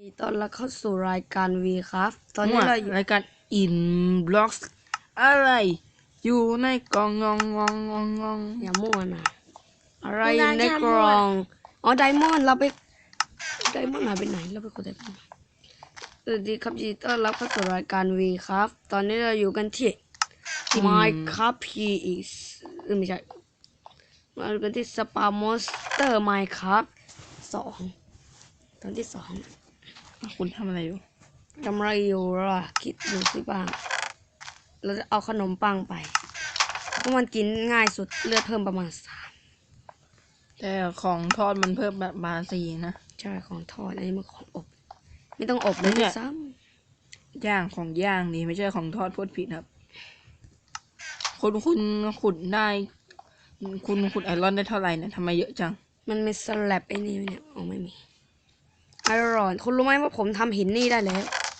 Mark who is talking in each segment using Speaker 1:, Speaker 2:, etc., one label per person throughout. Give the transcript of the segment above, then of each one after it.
Speaker 1: ต้อนรับเข้าสู่รายการ V ครับตอนนี้เราอยู่
Speaker 2: รายการ Inblocks อะไรอยู่ในกล่องงอง
Speaker 1: อย่ามั่วนะอะไรอยู่ในกล่องอ๋อไดมอนด์เราไปไดมอนด์หายไปไหนเราไปกดไดมอนด์สวัสดีครับยินดีต้อนรับเข้าสู่รายการ V ครับตอนนี้เราอยู่กันที่ Minecraft PX ไม่ใช่มาดูกันที่ Spar Monster Minecraft 2ตอนที่2
Speaker 2: คุณทำอะไรอยู่
Speaker 1: ทำอะไรอยู่ล่ะคิดดูสิบ้างเราจะเอาขนมปังไปเพราะมันกินง่ายสุดเลือดเพิ่มประมาณ3
Speaker 2: แต่ของทอดมันเพิ่มแบบมา4นะ
Speaker 1: ใช่ของทอดอันนี้มันของอบไม่ต้องอบเลยด้วยซ้
Speaker 2: ย่างของย่างนี่ไม่ใช่ของทอดพูดผิดครับคุณขุดได้คุณขุดไอรอนได้เท่าไหร่เนี่ยทำไมเยอะจัง
Speaker 1: ำมันมีสลับไอ้นี่เนี่ยอ๋อไม่มีไอรอนคุณรู้ไหมว่าผมทำหินนี่ได้แล้ว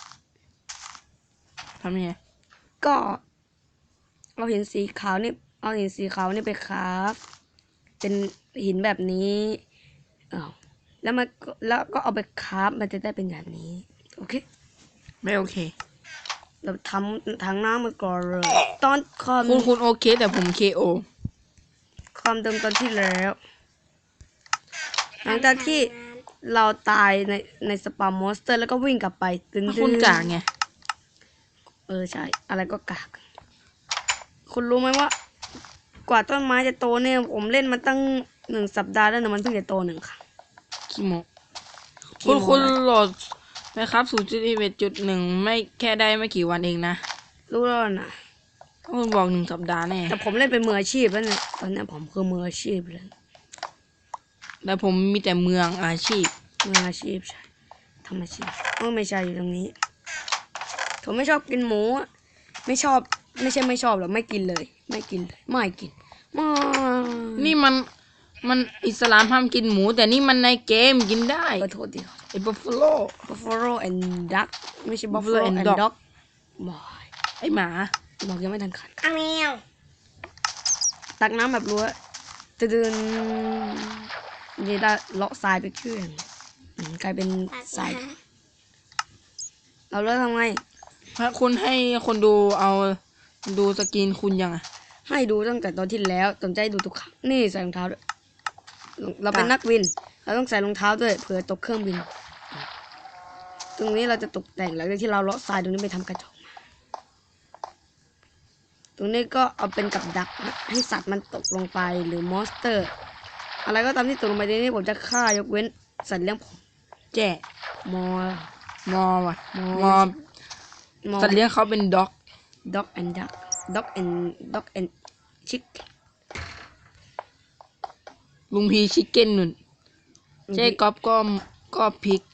Speaker 2: ทำยังไง
Speaker 1: ก็เอาหินสีขาวนี่เอาหินสีขาวนี่ไปคราฟเป็นหินแบบนี้อ้าวแล้วก็เอาไปคราฟมันจะได้เป็นแบบนี้โอเค
Speaker 2: ไม่โอเค
Speaker 1: เราทำถังน้ำมาก่อนเลยตอน
Speaker 2: คุณโอเคแต่ผม KO
Speaker 1: ความเดิมตอนที่แล้ว หลังจากที่เราตายในสปามมอนสเตอร์แล้วก็วิ่งกลับไปตึน
Speaker 2: คุณกากไง
Speaker 1: ใช่อะไรก็กากคุณรู้ไหมว่า กว่าต้นไม้จะโตเนี่ยผมเล่นมาตั้ง1 สัปดาห์แล้วนะมันเพิ่งจะโต1 ครั้ง
Speaker 2: ขี้โมคุณโหลดนะครับ0.11.1ไม่แค่ได้ไม่กี่วันเองนะ
Speaker 1: รู้แล้วนะ
Speaker 2: คุณบอก1 สัปดาห์แน่
Speaker 1: แต่ผมเล่นเป็นมืออาชีพแล้วเนี่ยตอนนี้ผมคือมืออาชีพเลย
Speaker 2: แต่ผมมีแต่เมืองอาชีพ
Speaker 1: มืออาชีพใช่ทำอาชีพไม่ใช่อยู่ตรงนี้ผมไม่ชอบกินหมูไม่ชอบไม่ใช่ไม่ชอบหรอกไม่กินเลยไม่กิน
Speaker 2: นี่มันอิสลามห้ามกินหมูแต่นี่มันในเกมกินได้
Speaker 1: ขอโทษที
Speaker 2: ไอ้ Buffalo
Speaker 1: and duck ไม่ใช่
Speaker 2: Buffalo
Speaker 1: buffalo
Speaker 2: and
Speaker 1: and
Speaker 2: dog
Speaker 1: dog บอย
Speaker 2: ไอ้หมา
Speaker 1: บอกยังไม่ทันขัน
Speaker 3: แมว
Speaker 1: ตักน้ำแบบรั้วจะเดินนี่ได้เลาะทรายไปเครื่องกลายเป็นทรายเราเลิกทำไง
Speaker 2: ถ้าคุณให้คนดูเอาดูสกินคุณยังอะ
Speaker 1: ให้ดูตั้งแต่ตอนที่แล้วสนใจดูทุกครั้งนี่ใส่รองเท้าด้วยเราเป็นนักวินเราต้องใส่รองเท้าด้วยเผื่อตกเครื่องบินตรงนี้เราจะตกแต่งหลังจากที่เราเลาะทรายตรงนี้ไปทำกระจกมาตรงนี้ก็เอาเป็นกับดักให้สัตว์มันตกลงไปหรือมอนสเตอร์อะไรก็ตามที่ตกลงไปในนี้ผมจะฆ่ายกเว้นสัตว์เลี้ยงผม
Speaker 2: แจ้
Speaker 1: มอ
Speaker 2: ว่ะสัตว์เลี้ยงเขาเป็นด็อก
Speaker 1: dog and duck dog and chick
Speaker 2: ลุงพีชิคเก้นนุ่นเจ๊ก๊อฟก็พริก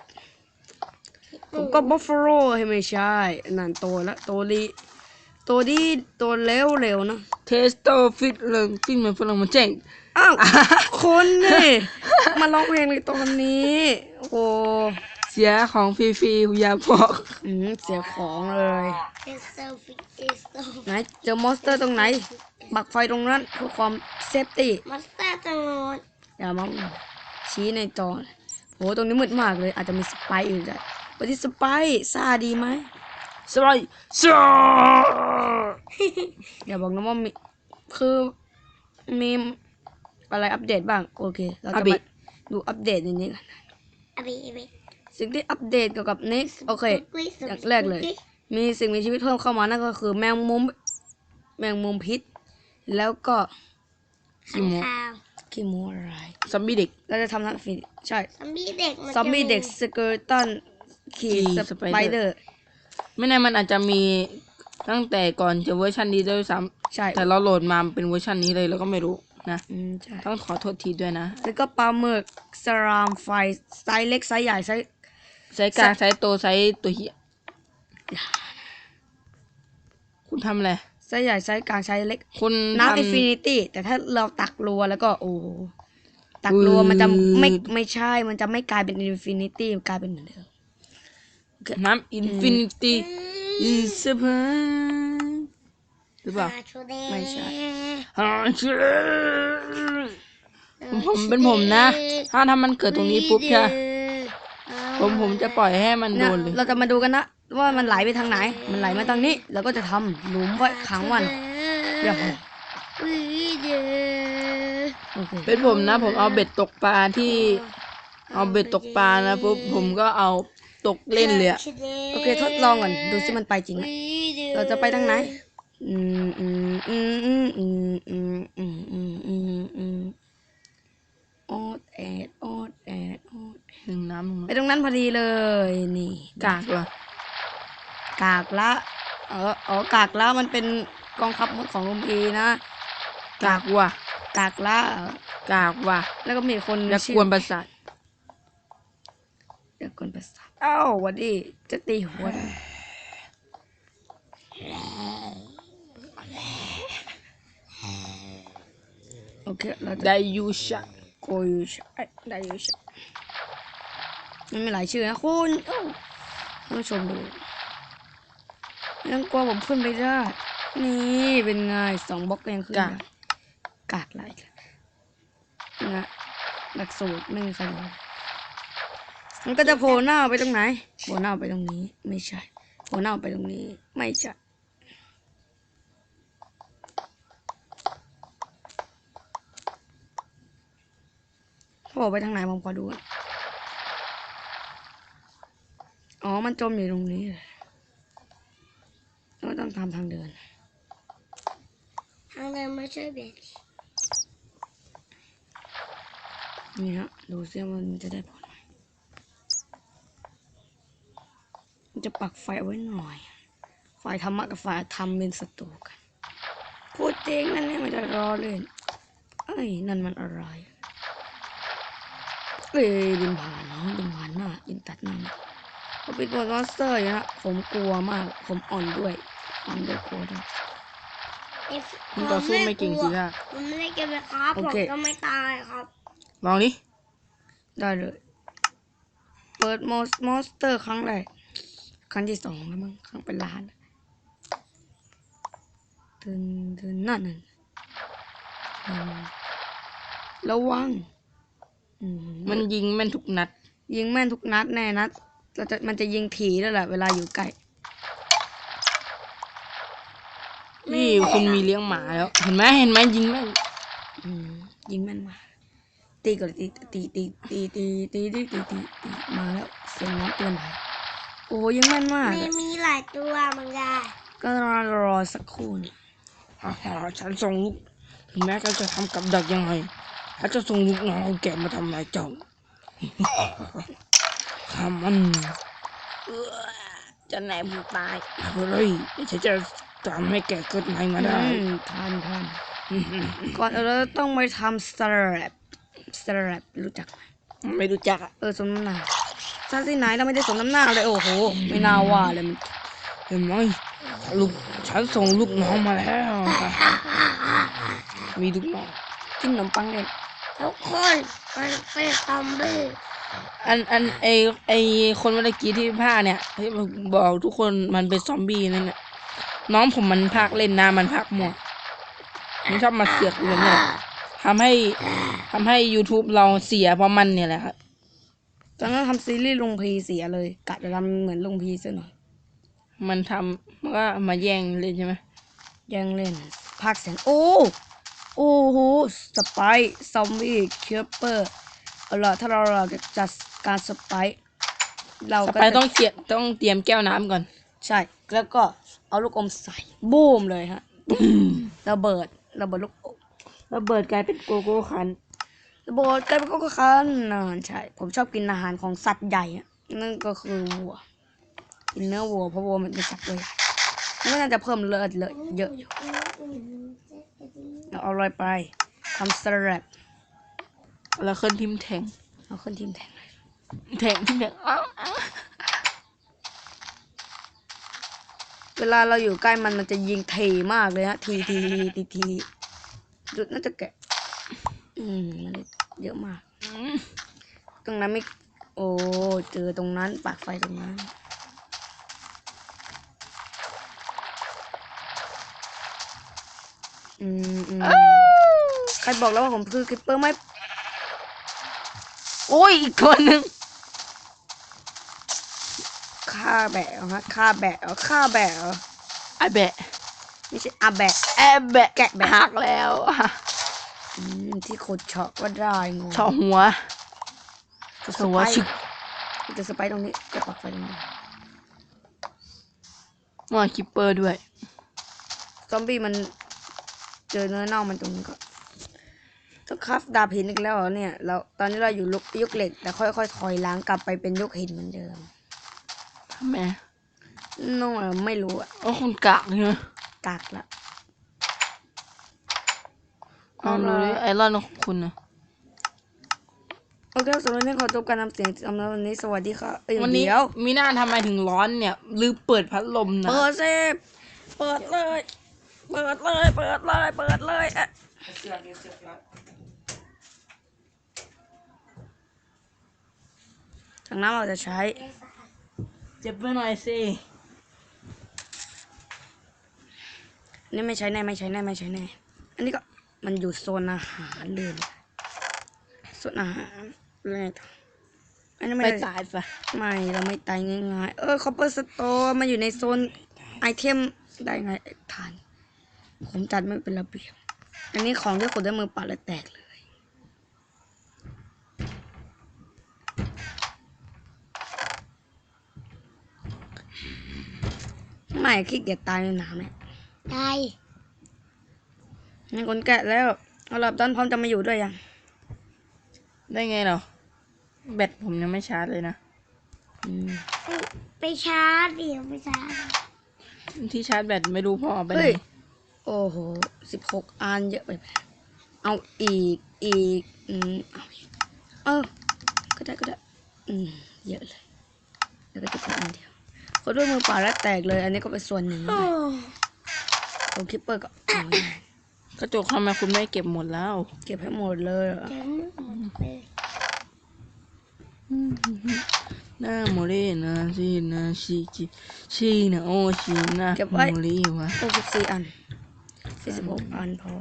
Speaker 1: ผมก็บัฟฟาโลให้ไม่ใช่นั่นโตแล้วโตดีโตเร็วนะ
Speaker 2: เทสโตฟิตเลยฟิตเหมือนฝรั่งมันเจ๊ง
Speaker 1: อ้าวคนนี่มาร้องเพลงในตอนนี้โอ้
Speaker 2: เสียของฟรีๆอย่าบอก
Speaker 1: เสียของเลยไหนเจอมอนสเตอร์ตรงไหนปักไฟตรงนั้นเพื่อความเซฟตี้
Speaker 3: มอนสเตอร์ตรงโน้น
Speaker 1: อย่ามาชี้ในจอโหตรงนี้มืดมากเลยอาจจะมีสไปร์อยู่ด้วยปฏิสไปร์ซาดีไหม
Speaker 2: สบาย
Speaker 1: อย่าบอกนะว่ามีคือมีอะไรอัปเดตบ้างโอเคเราจะมาดูอัปเดตในนี้กันสิ่งที่อัปเดตเกี่ยวกับ next โอเคอย่างแรกเลยมีสิ่งมีชีวิตเพิ่มเข้ามานั่นก็คือแมงมุมพิษแล้วก็ขี้โมอะไร
Speaker 2: ซอมบี้เด็ก
Speaker 1: เราจะทำนักฟินใช่
Speaker 3: ซอมบี้เด็ก
Speaker 1: สเกอร์ตันขี่สไปเดอร์
Speaker 2: ไม่แน่มันอาจจะมีตั้งแต่ก่อนจะเวอร์ชันนี้ด้วยซ้
Speaker 1: ำใช่
Speaker 2: แต่เราโหลดมาเป็นเวอร์ชันนี้เลยแล้วก็ไม่รู้นะ
Speaker 1: ใช่
Speaker 2: ต้องขอโทษทีด้วยนะ
Speaker 1: แล้วก็ปลาหมึกสลามไฟไซส์เล็กไซส์ใหญ่ไซส์
Speaker 2: กลางไซส์โตไซส์ตัวเหี้ยคุณทำอะไร
Speaker 1: ไซส์ใหญ่ไซส์กลางไซส์เล็ก
Speaker 2: คุณ
Speaker 1: น้ำอินฟินิตี้แต่ถ้าเราตักรัวแล้วก็โอ้ตักรัวมันจะไม่ใช่มันจะไม่กลายเป็นอินฟินิตี้กลายเป็นเหมือนเดิม
Speaker 2: น้ำอินฟินิตี้อินเซเว่นหรือเปล่า
Speaker 1: ไม่ใช่
Speaker 2: ผมเป็นผมนะถ้ามันเกิดตรงนี้ปุ๊บใช่ผมจะปล่อยให้มันโด
Speaker 1: เนี่ย
Speaker 2: นเลย
Speaker 1: เราจะมาดูกันนะว่ามันไหลไปทางไหน มันไหลมาทางนี้เราก็จะทำหลุมไว้ขังมันอย่าพอโอเค
Speaker 2: เป็นผมนะ ผมเอาเบ็ดตกปลาที่ เอาเบ็ดตกปลานะปุ๊บผมก็เอาตกเล่นเลยอะ
Speaker 1: โอเคทดลองก่อนดูสิมันไปจริงไหมเราจะไปทางไหนออดแอดออดแอดออด
Speaker 2: หนึ่งน้ำหนึ่ง
Speaker 1: ไปตรงนั้นพอดีเลยนี่
Speaker 2: กากว่ะ
Speaker 1: กากละกากละมันเป็นกองทัพมดของลุมพีนะ
Speaker 2: กากว่ะ
Speaker 1: กากละ
Speaker 2: กากว่ะ
Speaker 1: แล้วก็มีคน
Speaker 2: อย่ากวนประสาท
Speaker 1: อย่ากวนประสาทอ้าววันนี้จะตีหัวโอเคเราจะ
Speaker 2: ไดยูชะ
Speaker 1: โกยูชได้ยูชมันมีหลายชื่อนะคุณท่านผู้ชมดูยังกลัวผมขึ้นไปได้นี่เป็นไง2 บล็อกยังขึ้นได้กากไรนะหลักสูตรไม่มีใครรู้มันก็จะโผล่หน้าไปตรงไหนโผล่หน้าไปตรงนี้ไม่ใช่โผล่หน้าไปตรงนี้ไม่ใช่โผล่ไปทางไหนผมขอดูก่อนอ๋อมันจมอยู่ตรงนี้เราต้องทำทางเดิน
Speaker 3: ทางเดินมาช่วยเบส
Speaker 1: นี่ฮะดูซิว่ามันจะได้ผลไหมมันจะปักไฟเอาไว้หน่อยฝ่ายธรรมะกับฝ่ายธรรมเป็นศัตรูกันพูดจริงนั่นเนี่ยมันจะรอเล่นเอ้ยนั่นมันอะไรเอ้ยบินผ่านเนาะบินผ่านหน้าบินตัดหน้าเขาเป็นตัวมอนสเตอร์อยู่นะผมกลัวมากผมอ่อนด้วยกลัวด้วย
Speaker 2: มึงต่อสู้ไม่เก่งสิค่ะ
Speaker 3: ผมไม่ได้เก็บเลยครับ
Speaker 1: โอ
Speaker 3: ผม
Speaker 1: เค
Speaker 3: ก็ไม่ตายครับ
Speaker 2: ลองดิ
Speaker 1: ได้เลยเปิดมอนสเตอร์ครั้งแรกครั้งที่ 2แล้วมั้งครั้งเป็นล้านถึงนั่นระวัง
Speaker 2: มันยิงแม่นทุกนัด
Speaker 1: ยิงแม่นทุกนัดแน่นัดมันจะยิงถี่ด้วยแหละเวลาอยู่ใกล้
Speaker 2: นี่คุณมีเลี้ยงหมาแล้ว เห็นไหมยิงแม่น
Speaker 1: ยิงแม่นมากตีก่อนตีมาแล้วเสียงน้ำเตือนภัยโอ้ยิงแม่นมาก
Speaker 3: ไม่มีหลายตัวเหมือนกัน
Speaker 1: ก็รอสักครู่นะ
Speaker 2: ฉันส่งลูก ถึงแม้เขาจะทำกับดักยังไงเขาจะส่งลูกน้องของแกมาทำลายเจ้า ข้ามัน
Speaker 1: จะไหนผมตาย
Speaker 2: เฮ้ยฉันจะทำให้แกเกิดใหม่มาได้
Speaker 1: ทันก่อนเราต้องไปทำสแลบรู้จักไหม
Speaker 2: ไม่รู้จักอะ
Speaker 1: สมน้ำหน้าซาที่ไหนเราไม่ได้สมน้ำหน้าเลยโอ้โหไม่น่าว่าเลยมัน
Speaker 2: เห็นไหมลูกฉันส่งลูกน้องมาแล้ว มีลูกน้อง
Speaker 1: กินขนมปังเล่น
Speaker 3: ทุกคนมันเป็นซอมบี้
Speaker 2: ไอคนเมื่อกี้ที่ภาคเนี่ยที่บอกทุกคนมันเป็นซอมบี้นั่นแหละน้องผมมันภาคเล่นนะมันภาคหมดมันชอบมาเสือกอยู่แบบนี้ทำให้ YouTube เราเสียเพราะมันเนี่ยแหละครับ
Speaker 1: ตอนนั้นทำซีรีส์ลุงพีเสียเลยกะจะทำเหมือนลุงพีซะหน่อย
Speaker 2: มันก็มาแย่งเล่นใช่ไหม
Speaker 1: แย่งเล่นภาคเสียงโอ้โหสไปซอมบี้เคเปอร์เอาล่ะถ้าเราจะจัดการสไปเรา
Speaker 2: ต่อ
Speaker 1: ก็
Speaker 2: ไป
Speaker 1: จะ
Speaker 2: ต้องเตรียมแก้วน้ำก่อน
Speaker 1: ใช่แล้วก็เอาลูกอมใส่บูมเลยฮะระเบิดลูกอม
Speaker 2: ระเบิดกลายเป็นโกโก้คัน
Speaker 1: ระเบิดกลายเป็นก็คันใช่ผมชอบกินอาหารของสัตว์ใหญ่อะนั่นก็คือวัวกินเนื้อวัวเพราะวัวมันเป็นสัตว์ตัวใหญ่มันก็น่าจะเพิ่มเลือดเลยเยอะอยู่เอาอะไรไปทำสลัด
Speaker 2: แล้วขึ้นทิมแทง
Speaker 1: เอาขึ้นทีมแทงเลย
Speaker 2: ทิมแทงอ้าว
Speaker 1: เวลาเราอยู่ใกล้มันจะยิงถี่มากเลยฮะทีน่าจะแกะมันเยอะมากตรงนั้นไม่โอ้เจอตรงนั้นปากไฟตรงนั้นใครบอกแล้วว่าผมคือคลิปเปอร์ไม่
Speaker 2: โอ้ยอีกคนนึง
Speaker 1: ฆ่าแบะเหรอฮะฆ่าแบะเหรอฆ่าแบะเหรอ
Speaker 2: ไอแบะ
Speaker 1: ไม่ใช่อาแบะ
Speaker 2: แอบแบะ
Speaker 1: แกะแบะ
Speaker 2: หักแล้ว
Speaker 1: ที่ขุดเฉาะก็ได้งง
Speaker 2: เฉาะหัว
Speaker 1: จะส
Speaker 2: หัว
Speaker 1: ไป
Speaker 2: ชึก
Speaker 1: จะสไปตรงนี้จะปักไฟตรงนี้
Speaker 2: มาคิปเปอร์ด้วย
Speaker 1: ซอมบี้มันเจอเนื้อเน่ามันตรงนี้ก็ต้องคราฟดาบหินอีกแล้วเหรอเนี่ยเราตอนนี้เราอยู่ยุคเหล็กแต่ค่อยๆถอยล้างกลับไปเป็นยุคหินเหมือนเดิม
Speaker 2: ทำไม
Speaker 1: น้องไม่รู้อะ
Speaker 2: อ๋อคุณกากใช่ไหม
Speaker 1: กากละ
Speaker 2: ลองดูดิไอรอนของคุณนะ
Speaker 1: โอเคสำหรับวันนี้ขอจบการนำเสียงสำหรับวันนี้สวัสดีค่ะเอ้ย
Speaker 2: วันนี้
Speaker 1: เดี๋ยว
Speaker 2: มีหน้าทำไมถึงร้อนเนี่ยลืมเปิดพัดลมนะ
Speaker 1: เปิดเซฟเปิดเลยเปิดเลยเปิดเลยเปิดเลยอะจากนั้นเราจะใช้
Speaker 2: เจ็บไปหน่อยสิ
Speaker 1: อันนี่ไม่ใช้แน่ไม่ใช้แน่ไม่ใช้แน่อันนี้ก็มันอยู่โซนอาหารเลยโซนอาหารเลยอันนี้
Speaker 2: ไป
Speaker 1: ไม่ได้
Speaker 2: ตายซะ
Speaker 1: ไม่เราไม่ตายง่ายๆคอปเปอร์สโตร์มาอยู่ในโซนไอเทมได้ไงทานผมจัดไม่เป็นระเบียบอันนี้ของที่ขุดด้วยมือเปล่าและแตกเลยไม่ขี้เกียจตายในน้ำเนี่ย
Speaker 3: ตาย
Speaker 1: มีคนแกะแล้วเอาลับดอนพร้อมจะมาอยู่ด้วยยัง
Speaker 2: ได้ไงเหรอแบตผมยังไม่ชาร์จเลยนะ
Speaker 3: ไปชาร์จเดี๋ยวไปชาร์จ
Speaker 2: ที่ชาร์จแบตไม่รู้พ่อเอาไปไหน
Speaker 1: เฮ้ยโอ้โห16 อันเยอะไปไหมเอาอีกเอาอีกก็ได้เยอะเลยแล้วก็จะเป็นอันเดียวคนด้วยมือเปล่าแล้วแตกเลย อันนี้ก็เป็นส่วนหนึ่ง
Speaker 3: โอ้
Speaker 1: ตัวคิปเปอร์ก็เอาไว้
Speaker 2: กระจกทำไมคุณไม่เก็บหมดแล้ว
Speaker 1: เก็บให้หมดเลยเหรอ
Speaker 3: เจ๋งหมดเลย
Speaker 2: หน้าโมเรนะชีนะชีนะโอชีนะโมเรวะ
Speaker 1: 64 อัน46 อันพอ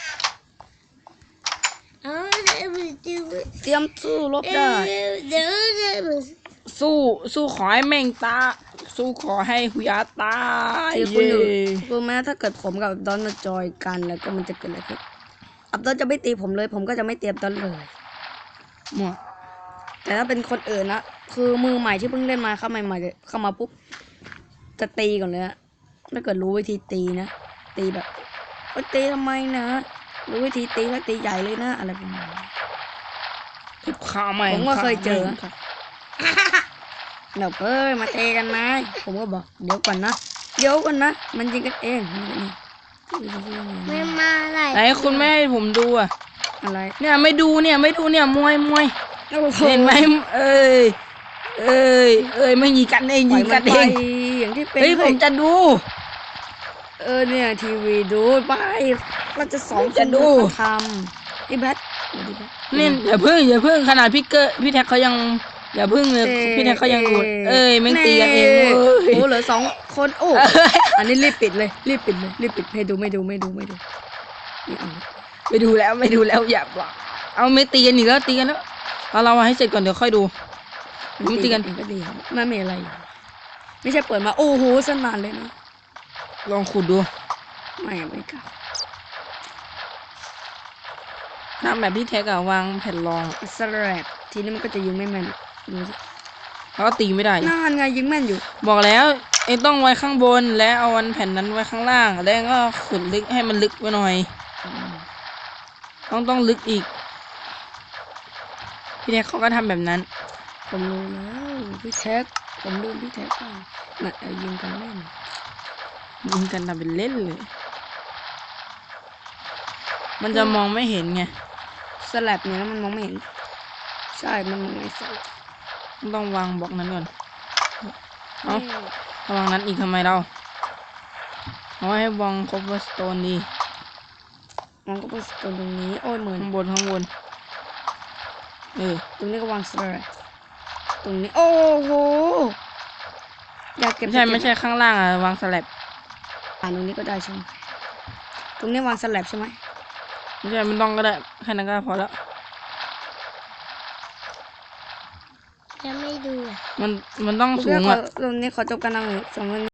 Speaker 3: เอาเดี๋ยวไปดู
Speaker 1: เตรียมสู้รบได้
Speaker 3: เดี๋ยวไป
Speaker 2: สู้ขอให้แม่งตาสู้ขอให้หุยาตาย
Speaker 1: ที่คุณอยู่
Speaker 2: เย้
Speaker 1: รู้ไหมถ้าเกิดผมกับอับดอนมาจอยกันแล้วก็มันจะเกิดอะไรขึ้นอับดอนจะไม่ตีผมเลย ผมก็จะไม่เตรียมดอนเลย
Speaker 2: หมด
Speaker 1: แต่ถ้าเป็นคนอื่นนะคือมือใหม่ที่เพิ่งเล่นมาเข้าใหม่ๆเข้ามาปุ๊บจะตีก่อนเลยนะถ้าเกิดรู้วิธีตีนะตีแบบตีทำไมนะรู้วิธีตีแล้วตีใหญ่เลยนะอะไรประมาณนี้
Speaker 2: ทุบขาใหม่
Speaker 1: ผมก็เคยเจอ
Speaker 2: ครับ
Speaker 1: เดี๋ยวมาเตะกันนะผมก็บอกเดี๋ยวก่อนนะมันยิงกันเองนี่
Speaker 3: ไม่มาอะไร
Speaker 2: ไหนคุณไม่ให้ผมดูอ่ะ
Speaker 1: อะไร
Speaker 2: เนี่ยไม่ดูเนี่ยมวย
Speaker 1: โอ้โ
Speaker 2: เห็นไหมเอ้ยไม่ยิงกันเอง
Speaker 1: ปล่
Speaker 2: ยิ
Speaker 1: อย
Speaker 2: ง
Speaker 1: มั
Speaker 2: กัน น
Speaker 1: ไป
Speaker 2: เอง
Speaker 1: อย่างที่เป็น
Speaker 2: เฮ้ยผมจะดู
Speaker 1: เนี่ยทีวีดูไปเราจะสอน
Speaker 2: จะดู
Speaker 1: ทำไอ้แบท
Speaker 2: นี่อย่าเพิ่งขนาดพี่แท็กเขายังอย่าเพิ่งเลยพี่แท็กเขายังดูแม่งตีกันเองเว้ย
Speaker 1: โอ้เหลือ2 คนโอ้อันนี้รีบปิดไม่ดูไม่เอา
Speaker 2: ไม่ดูแล้วอย่าบอกเอาไม่ตีกันอีกแล้วตีกันแล้วเราให้เสร็จก่อนเดี๋ยวค่อยดูผมตีกัน
Speaker 1: เองก็ดีครับไม่มีอะไรอยู่ไม่ใช่เปิดมาโอ้โหสนานเลยนะ
Speaker 2: ลองขุดดู
Speaker 1: ไม่กล้า
Speaker 2: ทำแบบพี่แท็กอะวางแผ่นรอง
Speaker 1: สแลบทีนี้มันก็จะยิงไม่แม่นดูสิ
Speaker 2: แล้วก็ตีไม่ได้
Speaker 1: นั่นไงยิงแม่นอยู่
Speaker 2: บอกแล้วเองต้องไว้ข้างบนแล้วเอาวันแผ่นนั้นไว้ข้างล่างแล้วก็ขุดลึกให้มันลึกไปหน่อยต้องลึกอีกพี่แท็กเขาก็ทำแบบนั้น
Speaker 1: ผมรู้แล้วพี่แท็กผมลืมพี่แท็กไปน่ะยิงกันเล่น
Speaker 2: ยิงกันทำเป็นเล่นเลย มันจะมองไม่เห็นไง
Speaker 1: สแลบเนี่ยมันมองไม่เห็นใช่มันมองไม่สแลบ
Speaker 2: ต้องวางบล็อกนั้นก่อนเอาวางนั้นอีกทำไมเราเอาให้วางคอปเปอร์สโตนดี
Speaker 1: มองก็เป็นตรงนี้โอ้ยเหมือน
Speaker 2: ข้างบนต
Speaker 1: ตรงนี้ก็วางสแลบตรงนี้โอ้โหอยากเก็บ
Speaker 2: ไม่ใช่ข้างล่างอะวางสแลบ
Speaker 1: ตรงนี้ก็ได้ใช่ไหมตรงนี้วางสแลบใช่ไหม
Speaker 2: ไม่ใช่มันต้องก็ได้แค่นั้นก็พอแล้ว
Speaker 3: จะไม่ดูอ่ะ
Speaker 2: มันต้อง
Speaker 1: โอ
Speaker 2: สู
Speaker 1: เค
Speaker 2: ง
Speaker 1: ขอ
Speaker 2: อ่ะ
Speaker 1: ตรงนี้ขอจบการนำสำหรับวันนี้